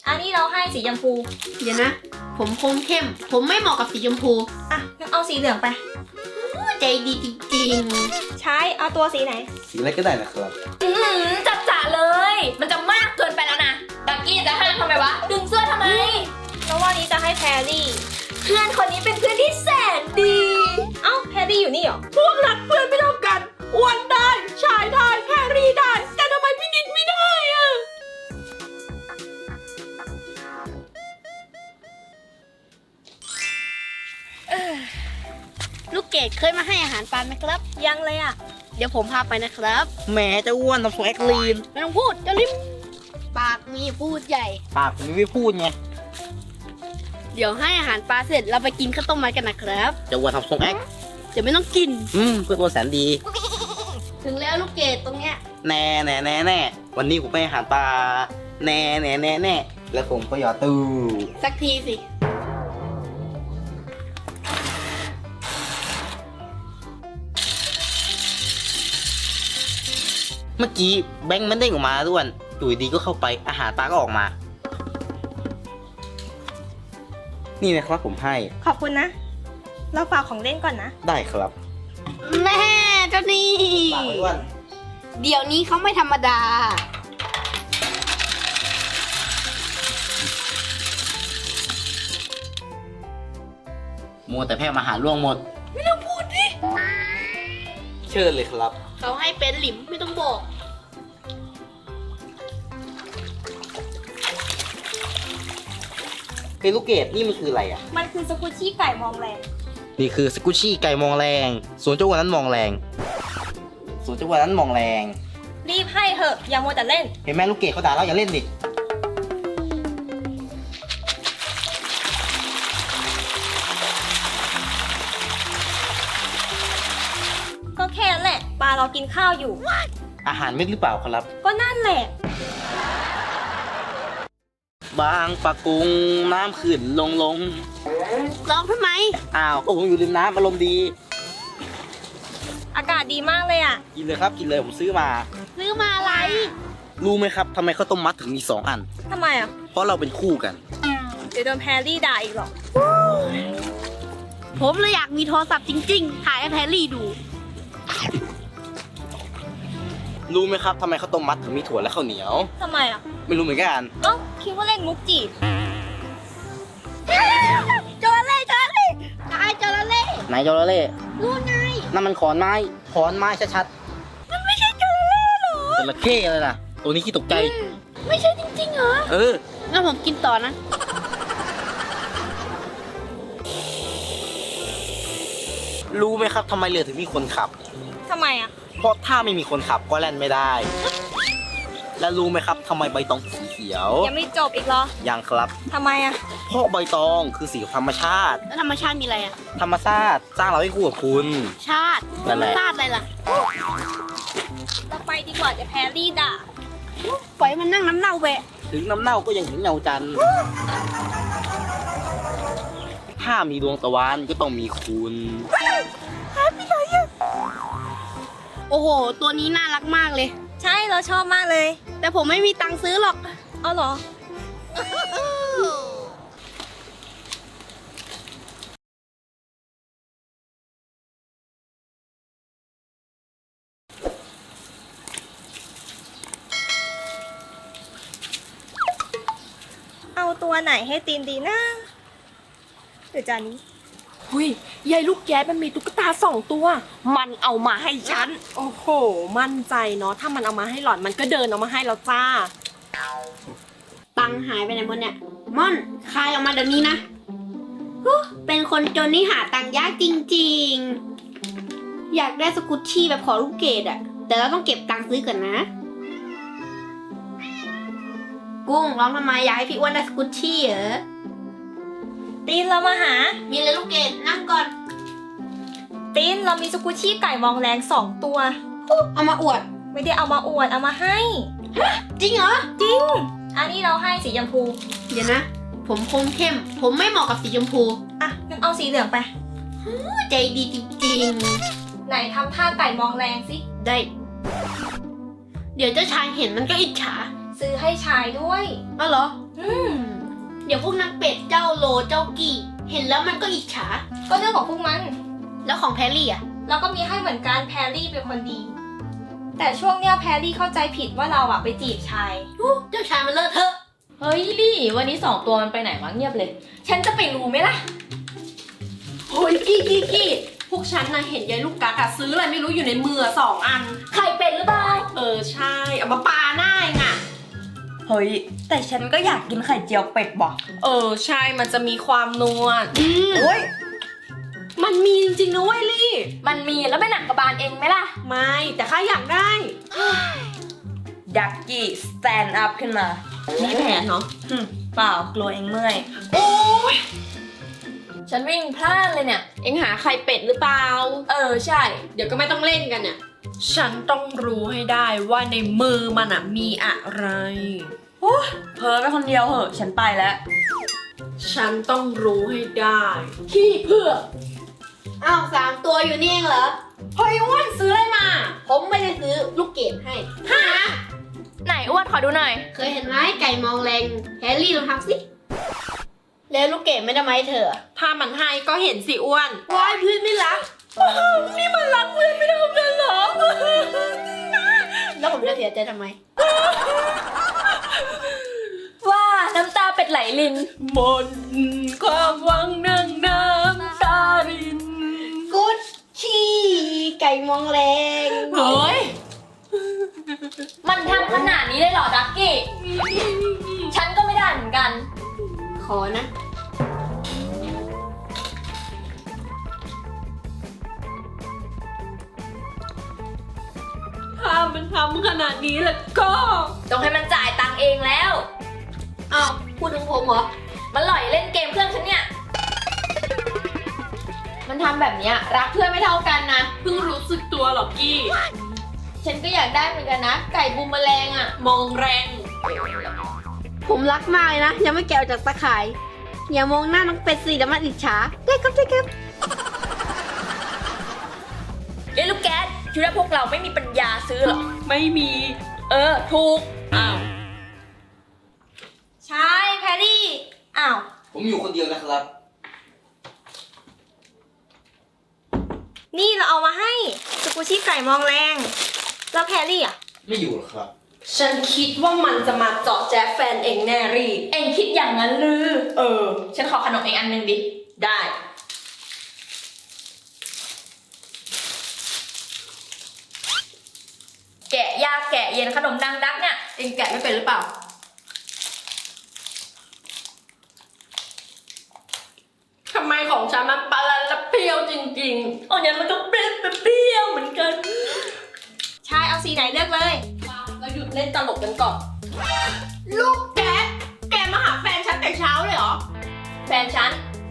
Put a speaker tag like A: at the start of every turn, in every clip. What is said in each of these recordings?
A: อันนี้เราให้สีชมพู
B: เดี๋ยวนะ ผมคมเข้ม ผมไม่เหมาะกับสีชมพู
A: อ่ะงั้นเอาสีเหลืองไป
B: ใจดีจริง
A: ใช้เอาตัวสีไหน
C: สีอะไรก็ได้นะครับ
D: จัดจ่าเลย มันจะมากเกินไปแล้วนะดักกี้จะห้ามทำไมวะ ดึงเสื้อทำไม
A: แล้ววันนี้จะให้แพรรี่
D: เพื่อนคนนี้เป็นเพื่อนที่แสนดี
A: เอ้าแพรรี่อยู่นี่เหรอ
B: ๆ พวกรักเพื่อนไม่เท่ากันอ้วนได้ชายได้แพรรี่ได้ แต่ทำไมพี่นิดไม่ได้อะ ลูกเกดเคยมาให้อาหารปลาไหมครับ
A: ยังเลยอ่ะ
B: เดี๋ยวผมพาไปนะครับ
C: แหมจะอ้วนทำทรงแอคลีน
B: ไม่ต้องพูดจะริมปากมีพูดใหญ่
C: ปากผมไม่พูดไง
B: เดี๋ยวให้อาหารปลาเสร็จเราไปกินข้าวต้มมัดกันนะครับ
C: จะอ้วนทำทรงแอค
B: เดี๋ยวไม่ต้องกิน
C: เพื่อนอ้วนแสนดี
B: ถึงแล้วลูกเกดตรงเนี้ย
C: แน่แน่แน่แน่วันนี้ผมไปอาหารปลาแน่แน่แน่แน่แล้วผมก็หยอดตู้
B: สักทีสิ
C: เมื่อกี้แบงค์มันเด้งออกมาด้วนอยู่ดีก็เข้าไปอาหารปลาก็ออกมา นี่นะครับผมให้
A: ขอบคุณนะ เราฝากของเล่นก่อนนะ
C: ได้ครับ
B: แม่เจ้านี่
C: ฝากไว้ด้วน
B: เดี๋ยวนี้เขาไม่ธรรมดา
C: มัวแต่แพ้มาหาล่วงหมด
B: ไม่ต้องพูดดิ
C: เชิญเลยครับ
B: เขาให้เป็นหลิมไม่ต้องบอก
C: เฮ้ยลูกเกดนี่มันคืออะไรอ่ะ
A: มันคือสกุชชี่ไก่มองแรง
C: นี่คือสกุชชี่ไก่มองแรงส่วนเจ้าวันนั้นมองแรงส่วนเจ้าวันนั้นมองแรง
A: รีบให้เถอะ อย่ามัวแต่เล่น
C: เห็นไหมลูกเกดเขาด่าเราอย่าเล่นดิ
A: ก็แค่นั้นแหละ ปลาเรากินข้าวอยู่
C: อาหารเม็ดหรือเปล่าครับ
A: ก็นั่นแหละ
C: บางปะกุงน้ำขึ้นลง
B: ร้องทำไม
C: อ้าวก็ผมอยู่ริมน้ำอารมณ์ดี
A: อากาศดีมากเลยอ่ะ
C: กินเลยครับกินเลยผมซื้อมา
B: ซื้อมาอะไร
C: รู้ไหมครับทำไมข้าวต้มมัดถึงมี2 อัน
A: ทำไมอ่ะ
C: เพราะเราเป็นคู่กัน
A: เดี๋ยวโดนแพรรี่ด่าอีกหรอก
B: ผมเลยอยากมีโทรศัพท์จริงๆ ถ่ายให้แพรรี่ดู
C: รู้ไหมครับทำไมข้าวต้มมัดถึงมีถั่วและข้าวเหนียว
A: ทำไมอ่ะ
C: ไม่รู้เหมือนกัน
A: เอ้าคิดว่าเล่นมุกจีบ
B: จระเข้จระเข้ตายจระเข้
C: ไหนจระเข้
B: รู้ไง
C: นั่นมันขอนไม้ชัดๆมันไม่ใช่จระเข้หรอจระเข้เลยนะตัวนี้ขี้ตกใจ
B: ไม่ใช่จริงๆเหรอ
C: เออ
B: งั้นผมกินต่อนะ
C: รู้ไหมครับทำไมเรือถึงมีคนขับ
A: ทำไมอ่ะ
C: เพราะถ้าไม่มีคนขับก็แล่นไม่ได้ และรู้ไหมครับทำไมใบตองสีเขียว
A: ยังไม่จบอีกเหรอ
C: ยังครับ
A: ทำไมอ่ะ
C: เพราะใบตองคือสีของธรรมชาติ
B: แล้วธรรมชาติมีอะไรอะ
C: ธรรมชาติสร้างเราให้คู่กับคุณ
B: ชาติ
C: นั่นแหละ
B: ชาติอะไรล่ะ
A: เราไปดีกว่าจะแพรรี่ด่า
B: ปล่อยมันนั่งน้ำเน่าแวะ
C: ถึงน้ำเน่าก็ยังเห็นเงาจันทร์ถ้ามีดวงตะวันก็ต้องมีคุณ
B: โอ้โห ตัวนี้น่ารักมากเลย
A: ใช่เราชอบมากเลย
B: แต่ผมไม่มีตังค์ซื้อหรอก
A: เอาเหรอ เอาตัวไหนให้ตีนดีนะหรือจานนี้
D: หุยยายลูกแก๊สมันมีตุ๊กตา2 ตัว มันเอามาให้ฉัน
E: โอ้โห มั่นใจเนาะ ถ้ามันเอามาให้หล่อน มันก็เดินเอามาให้แล้วจ้า
B: ตังค์หายไปไหนหมดเนี่ย ม่อน คายออกมาเดี๋ยวนี้นะฮู้เป็นคนจนนี่หาตังค์ยากจริงๆ อยากได้สกุชชี่แบบขอลูกเกดอะแต่เราต้องเก็บตังค์ซื้อก่อนนะ กุ้งร้องทำไมอยากให้พี่อ้วนได้สกุชชี่เหรอ
A: ตีนเรามาหา
B: มีเลยลูกเกดนั่งก่อน
A: ตีนเรามีสกุชชี่ไก่มองแรง2 ตัว
B: เอามาอวด
A: ไม่ได้เอามาอวดเอามาให้
B: จริงเหรอ
A: จริง อันนี้เราให้สีชมพู
B: เดี๋ยวนะ ผมคมเข้ม ผมไม่เหมาะกับสีชมพู
A: อ่ะงั้นเอาสีเหลืองไป
B: ใจดีจริง
A: ไหนทำท่าไก่มองแรงสิ
B: ๆ ได้ เดี๋ยวเจ้าชายเห็นมันก็อิจฉา
A: ซื้อให้ชายด้วย
B: อ้าวเหรอเดี๋ยวพวกนางเป็ดเจ้าโลเจ้ากี่เห็นแล้วมันก็อิจฉา
A: ก็เรื่องของพวกมัน
B: แล้วของแพรรี่อ่ะ
A: เราก็มีให้เหมือนกันแพรรี่เป็นคนดี แต่ช่วงเนี้ยแพรรี่เข้าใจผิดว่าเราอะไปจีบชาย
B: เจ้าชายมันเลอะเทอะ
D: เฮ้ยลี่วันนี้2 ตัวมันไปไหนวะเงียบเลย ฉันจะไปรู้ไหมล่ะ
E: เฮ้ยกี้พวกฉันนะเห็นยายลูกกัดอะซื้ออะไรไม่รู้อยู่ในมือ2 อัน
D: ไข่เป็ดหรือเปล่า
E: ใช่เอามาปาหน้าเองอะ
F: เฮ้ย แต่ฉันก็อยากกินไข่เจียวเป็ดว่ะ
E: ใช่มันจะมีความนัวโอ้ยมันมีจริงๆนะเว้ยลี่
D: มันมีแล้วไม่หนักกระบาลเองไหมล่ะ
E: ไม่แต่ข้าอยากได้
F: ดักกี้สแตนด์อัพขึ้นมา
E: มีแผนเนาะ
F: เปล่ากลัวเองเมื่อย
E: โอ้ย
D: ฉันวิ่งพลาดเลยเนี่ย
E: เอ็งหาไข่เป็ดหรือเปล่า
D: ใช่
E: เดี๋ยวก็ไม่ต้องเล่นกันเนี่ย ฉันต้องรู้ให้ได้ว่าในมือมันอะมีอะไร
F: เพ้อไปคนเดียวเหอะ ฉันไปแล้ว
E: ฉันต้องรู้ให้ได้ขี้เพื่อ
B: อ้าว3 ตัวอยู่นี่เองเหรอ
E: เฮ้ยอ้วนซื้ออะไรมา
B: ผมไม่ได้ซื้อลูกเกดให้
D: ไหนอ้วนขอดูหน่อย
B: เคยเห็นไหมไก่มองแรงแฮร์รี่ลองทำสิ แล้วลูกเกดไม่ได้ไหมาให้เธอ
E: ถ้ามันให้ก็เห็นสิอ้วน
B: ว้ายพื้นไม่รัก
E: นี่มันรักเพื่อนไม่ทำเลยเหรอ
B: แล้วผมจะเสียใจทำไม
D: ว่าน้ำตาเป็ดไหลลิน
E: หมดความหวังนั่งน้ำตาริน
B: กุชชี่ไก่มองแรง
E: เฮ้ย
D: มันทำขนาดนี้เลยเหรอดักกี้ ฉันก็ไม่ได้เหมือนกัน
B: ขอนะ
E: ถ้ามันทำขนาดนี้แล้วก็
D: ต้องให้มันจ่ายตังค์เองแล้ว
B: อ้าวพูดถึงผมเหรอ
D: มันหล่อยเล่นเกมเพื่อนฉันเนี่ย มันทำแบบเนี้ยรักเพื่อนไม่เท่ากันนะ
E: เพิ่งรู้สึกตัวหรอกกี้
D: ฉันก็อยากได้เหมือนกันนะ ไก่บูมแมลงอ่ะ
E: มองแรง
B: ผมรักมากเลยนะ ยังไม่แกะออกจากตะข่าย อย่ามองหน้าน้องเป็ดสิเดี๋ยวมันอิจฉาได้ครับได้ครับ
D: เอ้ลูกแก๊สคิดว่าพวกเราไม่มีปัญญาซื้อหรอ
E: ไม่มี
D: ถูก
E: อ้าว
A: ใช่แพรรี่ อ้าว
C: ผมอยู่คนเดียวนะครับ
A: นี่เราเอามาให้สกูชี่ไก่มองแรง แล้วแพรรี่อะ
C: ไม่อยู่หรอกครับ
E: ฉันคิดว่ามันจะมาเจาะแจ๊แฟนเองแน่รี
D: เอ็งคิดอย่างนั้นหรือ ฉันขอขนมเองอันหนึงดิ
E: ได้
D: แกะยากแกะเย็นขนมดังดักเนี่ย
E: เองแกะไม่เป็นหรือเปล่า ทำไมของฉันมันปลาละเปรี้ยวจริงๆ
D: อ๋อเนี่ยมันก็เปรี้ยวเหมือนกัน
A: ใช่เอาสีไหนเลือกเลย
E: เราหยุดเล่นตลกกันก่อน ลูกแกแกมาหาแฟนฉันแต่เช้าเลยเหรอ
D: แฟนฉัน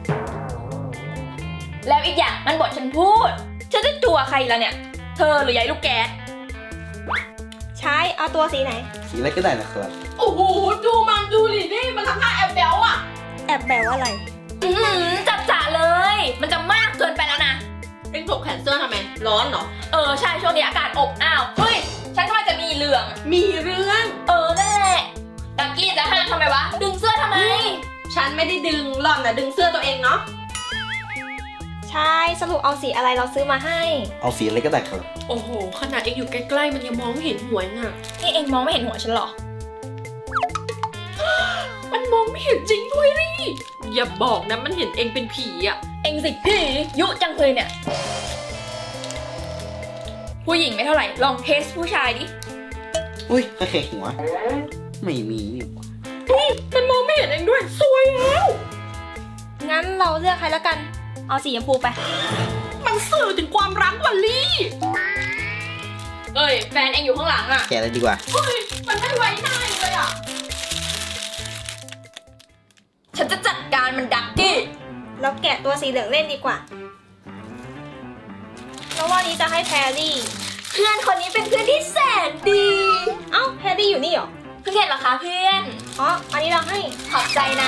D: แล้วอีกอย่างมันบอกฉันพูด ฉันจะจั่วใครละเนี่ย เธอหรือยายลูกแก๊ส
A: ใช่เอาตัวสีไหน
C: สีอะไรก็ได้นะครับ
E: โอ้โห ดูมันดูดินี่มันทำท่าแอบแบลอ่ะ
A: แอบแบวอะไร
D: จับจ่าเลย มันจะมากเกินไปแล้วนะ
E: เอ็งถกแขนเสื้อทำไม ร้อนเหรอ
D: ใช่ช่วงนี้อากาศอบอ้าว เฮ้ย ฉันกำลังจะมีเรื่อง
E: มีเรื่อง
D: นั่นแหละดักกี้จะห้ามทำไมวะ ดึงเสื้อทำไม
E: ฉันไม่ได้ดึงหล่อนนะดึงเสื้อตัวเองเนาะ
A: ใช่สรุปเอาสีอะไรเราซื้อมาให้
C: เอาสีอะไรก็ได้ครับ
E: โอ้โห ขนาดเอ็งอยู่ใกล้ๆมันยังมองไม่เห็นหัวน่ะ
D: นี่เองมองไม่เห็นหัวฉันเหรอ
E: มันมองไม่เห็นจริงด้วยดิอย่าบอกนะมันเห็นเอ็งเป็นผีอ่ะ
D: เองสิพี่ยุจังเลยเนี่ย ผู้หญิงไม่เท่าไหร่ ลองเทสผู้ชายดิ
C: อุ้ยแค่หัว ไม่มีนี่หว่า
E: มันมองไม่เห็นเอ็งด้วยสวยแล้ว
A: งั้นเราเลือกใครแล้วกัน เอาสีชมพูไป
E: มันสื่อถึงความรักว่ะลี่
D: เอ้ย แฟนเองอยู่ข้างหลังอ่ะ
C: แกะเลยดีกว่า
E: เฮ้ย มันไม่ไว้หน้าเองเลยอ่ะ
D: ฉันจะจัดการมันดักกี้
A: เราแกะตัวสีเหลืองเล่นดีกว่าแล้ววันนี้จะให้แพรรี่
D: เพื่อนคนนี้เป็นเพื่อนที่แสนดี
A: เอ้าแพรรี่อยู่นี่เหรอ
D: เพิ่งเห็นเหรอคะเพื่อน
A: อ๋อ อันนี้เราให้
D: ขอบใจนะ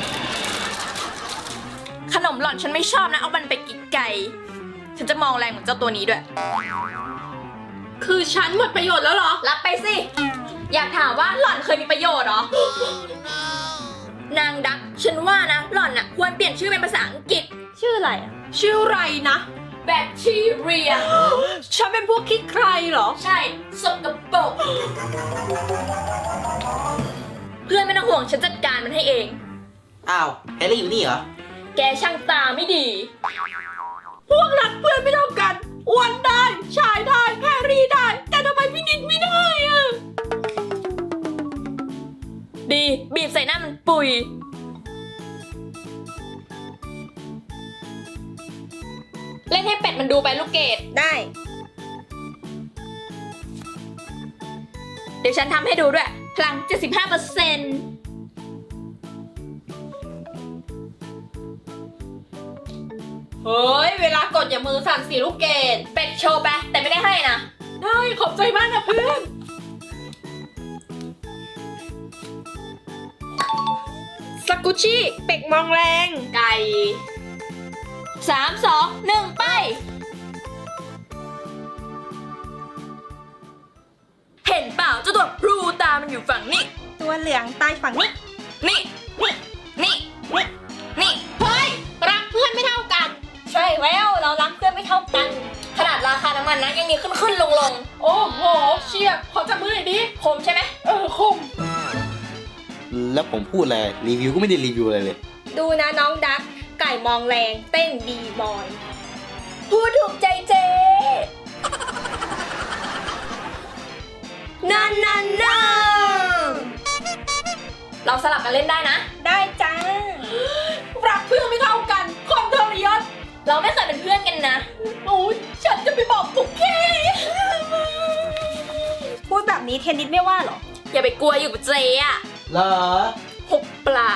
D: ขนมหล่อนฉันไม่ชอบนะ เอามันไปกินไก่ ฉันจะมองแรงเหมือนเจ้าตัวนี้ด้วย
E: คือฉันหมดประโยชน์แล้วเหรอ
D: รับไปสิ อยากถามว่าหล่อนเคยมีประโยชน์เหรอนางดัก ฉันว่านะ หล่อนน่ะควรเปลี่ยนชื่อเป็นภาษาอังกฤษ
A: ชื่ออะไรอะ
E: ชื่ออะไรนะ
D: แบคทีเรีย
E: ฉันเป็นพวกขี้ใครเหรอ
D: ใช่ สกปรกเพื่อนไม่ต้องห่วงฉันจัดการมันให้เอง
C: อ้าวแฮร์รี่อยู่นี่เหรอ
D: แกช่างตาไม่ดี
E: พวกรักเพื่อนไม่เท่ากันอ้วนได้ ชายได้ แพรรี่ได้ แต่ทำไมพี่นิดไม่ได้อะ
D: ดีบีบใส่หน้ามันปุย เล่นให้เป็ดมันดูไปลูกเกด
A: ได้
D: เดี๋ยวฉันทำให้ดูด้วย พลัง 75%
E: เฮ้ย เวลากดอย่ามือสั่นสิลูกเกด
D: เป็ดโชว์ไปแต่ไม่ได้ให้นะ
E: ได้ขอบใจมากนะเพื่อน สกุชชี่เป็กมองแรง
D: ไก่ 3 2 1 ไป เห็นเปล่าเจ้าตัวพลูตามันอยู่ฝั่งนี้
A: ตัวเหลืองใต้ฝั่งนี้
D: นี่นี่นี่นี่
E: เฮ้ย รักเพื่อนไม่เท่ากัน
A: ใช่แล้วเรารักเพื่อนไม่เท่ากัน
D: ขนาดราคาน้ำมันนะยังมีขึ้นลง
E: โอ้โห เชียร์ขอจับมือหน่อยดิ
D: คมใช่ไหม
E: คม
C: แล้วผมพูดอะไรรีวิวก็ไม่ได้รีวิวอะไรเลย
A: ดูนะน้องดัก ไก่มองแรงเต้นดีบอย
D: พูดถูกใจเจนั่นเราสลับกันเล่นได้นะ
A: ได้จ้า
E: รักเพื่อนไม่เท่ากัน คนทรยศ
D: เราไม่เคยเป็นเพื่อนกันนะ
E: โอ้ยฉันจะไปบอกปุ๊กเก้
A: พูดแบบนี้เทนนิสไม่ว่าเหรอ
D: อย่าไปกลัวอยู่กับเจอะ
C: เหรอ
D: หุบปาก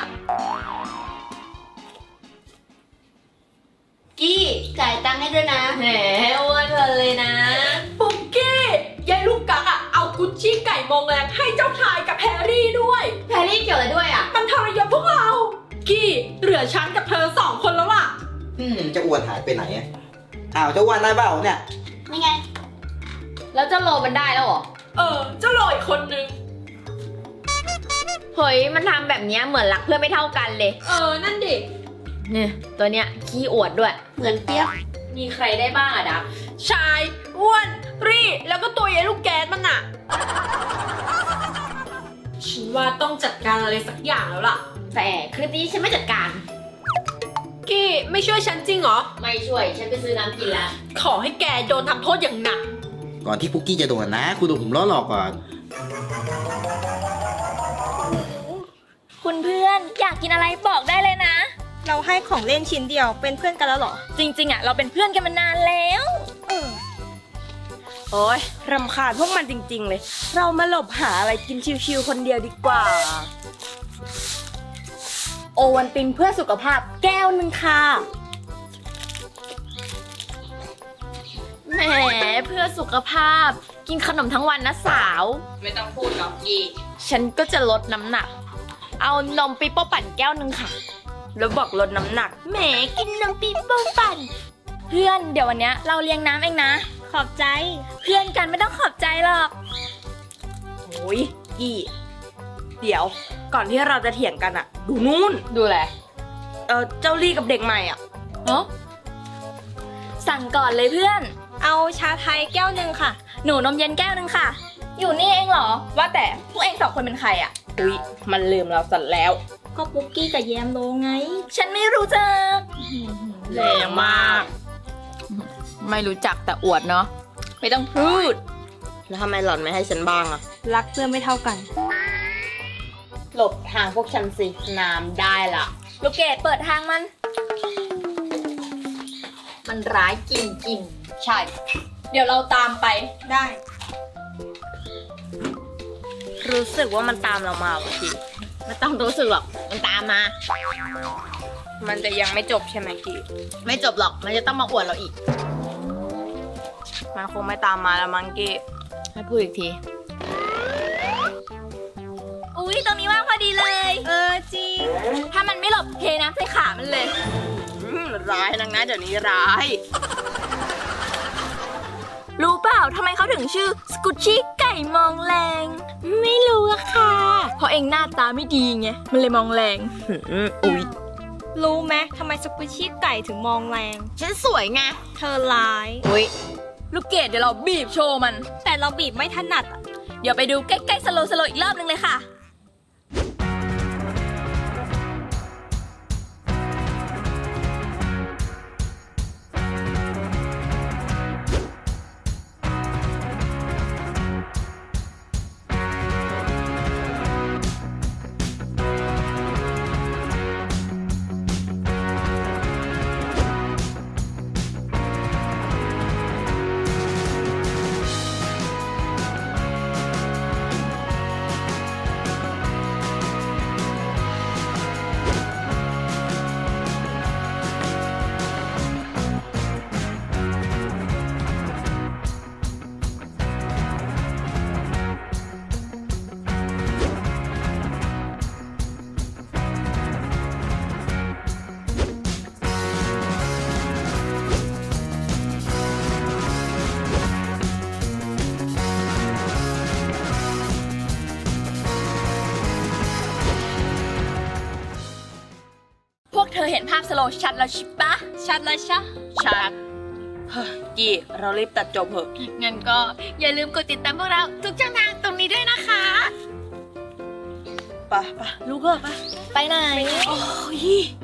B: กี้จ่ายตังค์ให้ด้วยนะ
D: แหมอ้วนเลยนะ
E: ปุ๊กเก้ยายลูกกักอะเอากุชชี่ไก่มองแรงให้เจ้าชายกับแพรรี่ด้วย
B: แพรรี่เกี่ยวอะไรด้วยอ่ะ
E: มันทรยศพวกเรา กี้เหลือฉันกับเธอ2 คนแล้วล่ะ
C: จะอ้วนหายไปไหนอะอ้าวเจะอ้วนได้เปล่าเนี่ย
B: นี่ไง
D: แล้วเจ้าโลมันได้แล้วเหรอ
E: เจ้าลอยคนนึง
D: เฮ้ย มันทำแบบเนี้ยเหมือนรักเพื่อนไม่เท่ากันเลย
E: นั่นดิ
D: เนี่ยตัวเนี้ยขี้อวดด้วย
B: เหมือนเปี๊ยก
D: มีใครได้บ้างอะดับ
E: ชาย อ้วน รี่ แล้วก็ตัวยายลูกแก๊สมันอะฉันว่าต้องจัดการอะไรสักอย่างแล้วล่ะ
D: แต่คลิปนี้ฉันไม่จัดการ
E: กี้ไม่ช่วยฉันจริงเหรอ
D: ไม่ช่วย ฉันไปซื้อน้ำกินแล้ว
E: ขอให้แกโดนทำโทษอย่างหนัก
C: ก่อนที่ปุกกี้จะโดนนะ คุณดูผมล้อหลอกก่อน
D: คุณเพื่อนอยากกินอะไรบอกได้เลยนะ
A: เราให้ของเล่นชิ้นเดียวเป็นเพื่อนกันแล้วเหรอ
D: จริงๆอะเราเป็นเพื่อนกันมานานแล้ว
F: โอ้ยรำคาญพวกมันจริงๆเลย เรามาหลบหาอะไรกินชิวๆคนเดียวดีกว่า โอวันตินเพื่อสุขภาพแก้วหนึ่งค่ะ
D: แหมเพื่อสุขภาพ กินขนมทั้งวันนะสาว
E: ไม่ต้องพูดหรอกกี้
D: ฉันก็จะลดน้ำหนัก เอานมปีโป้ปั่นแก้วหนึ่งค่ะ
F: แล้วบอกลดน้ำหนัก
D: แหมกินนมปีโป้ปั่น เพื่อนเดี๋ยววันเนี้ยเราเลี้ยงน้ำเองนะ
A: ขอบใจ
D: เพื่อนกันไม่ต้องขอบใจหรอก
F: โอ้ยกี่เดี๋ยว ก่อนที่เราจะเถียงกันอะดูนู่น
D: ดูแล
F: เจ้าลี่กับเด็กใหม่อะ
D: เนาะสั่งก่อนเลยเพื่อน
A: เอาชาไทยแก้วหนึ่งค่ะ
D: หนูนมเย็นแก้วหนึ่งค่ะ อยู่นี่เองเหรอ ว่าแต่พวกเอง2 คนเป็นใครอะ
F: อุ๊ยมันลืมเราสัตว์แล้ว
A: ก็ปุ๊กกี้กับแยมโลไง
D: ฉันไม่รู้จัก
F: แรงมาก
D: ไม่รู้จักแต่อวดเนาะ ไม่ต้องพูด
F: แล้วทำไมหล่อนไม่ให้ฉันบ้างอะ
A: รักเพื่อนไม่เท่ากัน
F: หลบทางพวกฉันสิน้ำได้ละ
D: ลูกเกดเปิดทางมัน มันร้ายจริง
E: ใช่ เดี๋ยวเราตามไป
A: ได้
F: รู้สึกว่ามันตามเรามาว่ะพี่
D: ๆ ไม่ต้องรู้สึกหรอก มันตามมา
F: มันจะยังไม่จบใช่ไหมกี้
D: ไม่จบหรอก มันจะต้องมาอวดเราอีก
F: มันคงไม่ตามมาแล้วมั้งกี้
D: ให้พูดอีกที อุ๊ย ตรงนี้ว่างพอดีเลย
A: จริง
D: ถ้ามันไม่หลบเทน้ำใส่ขามันเลย
F: ร้ายนังนะเดี๋ยวนี้ร้าย
D: รู้เปล่าทำไมเขาถึงชื่อสกุชชี่ไก่มองแรง
B: ไม่รู้อะค่ะ
D: เพราะเองหน้าตาไม่ดีไง มันเลยมองแรง
F: อุ๊ย
A: รู้ไหมทำไมสกุชชี่ไก่ถึงมองแรง
D: ฉันสวยไง
A: เธอร้าย
F: อุ๊ย
D: ลูกเกดเดี๋ยวเราบีบโชว์มัน
A: แต่เราบีบไม่ถนัดอะ
D: เดี๋ยวไปดูใกล้ๆสโลว์อีกรอบนึงเลยค่ะ พวกเธอเห็นภาพสโลว์ชัดแล้วใช่ปะ
A: ชัดเลยชะ
F: ชัดเฮ้ยกี้เรารีบตัดจบเถอะ
D: งั้นก็อย่าลืมกดติดตามพวกเราทุกช่องทางตรงนี้ด้วยนะคะ
F: ไปลูกเถอะไป
D: ไปไหน
F: โอ้ย